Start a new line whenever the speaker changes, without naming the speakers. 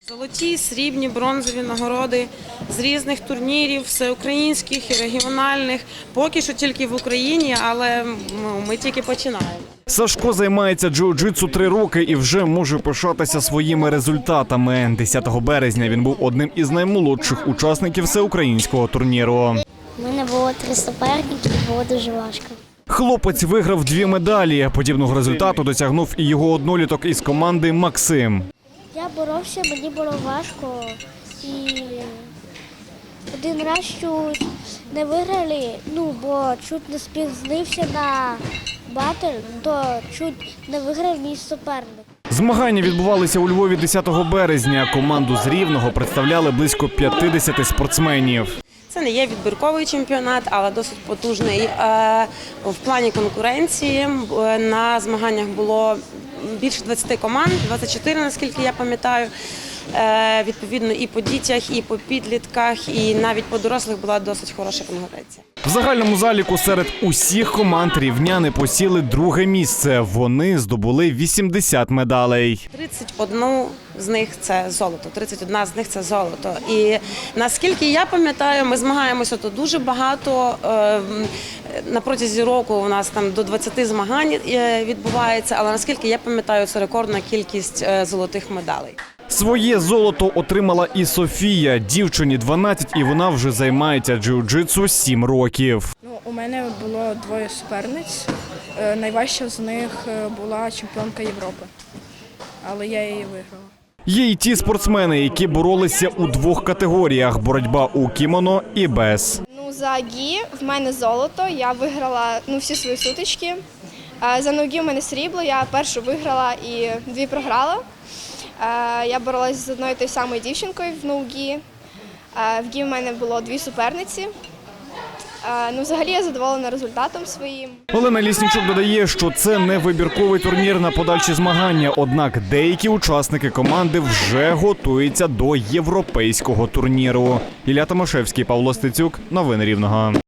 Золоті, срібні, бронзові нагороди з різних турнірів, всеукраїнських і регіональних. Поки що тільки в Україні, але ми тільки починаємо.
Сашко займається джиу-джитсу 3 роки і вже може пишатися своїми результатами. 10 березня він був одним із наймолодших учасників всеукраїнського турніру.
У мене було 3 суперники, було дуже важко.
Хлопець виграв 2 медалі. Подібного результату досягнув і його одноліток із команди Максим.
Я боровся, мені було важко. І один раз чуть не виграли, бо чуть не спізнився на батл, то чуть не виграв мій суперник.
Змагання відбувалися у Львові 10 березня. Команду з Рівного представляли близько 50 спортсменів.
Це не є відбірковий чемпіонат, але досить потужний в плані конкуренції. На змаганнях було більше 20 команд, 24, наскільки я пам'ятаю. Відповідно, і по дітях, і по підлітках, і навіть по дорослих була досить хороша конкуренція.
В загальному заліку серед усіх команд рівняни посіли 2-ге місце. Вони здобули 80 медалей.
31 з них це золото, 31 з них це золото. І наскільки я пам'ятаю, ми змагаємося тут дуже багато. На протязі року у нас там до 20 змагань відбувається, але наскільки я пам'ятаю, це рекордна кількість золотих медалей.
Своє золото отримала і Софія. Дівчині 12, і вона вже займається джиу-джитсу 7 років.
У мене було 2 суперниць. Найважча з них була чемпіонка Європи, але я її виграла.
Є й ті спортсмени, які боролися у 2 категоріях – боротьба у кімоно і без.
За гі в мене золото, я виграла всі свої сутички. За ноги в мене срібло, я першу виграла і 2 програла. Я боролася з одною тою самою дівчинкою в ноугі. В гі в мене було 2 суперниці. Взагалі я задоволена результатом своїм.
Олена Ліснічук додає, що це не вибірковий турнір на подальші змагання, однак деякі учасники команди вже готуються до європейського турніру. Ілля Томашевський, Павло Стецюк. Новини Рівного.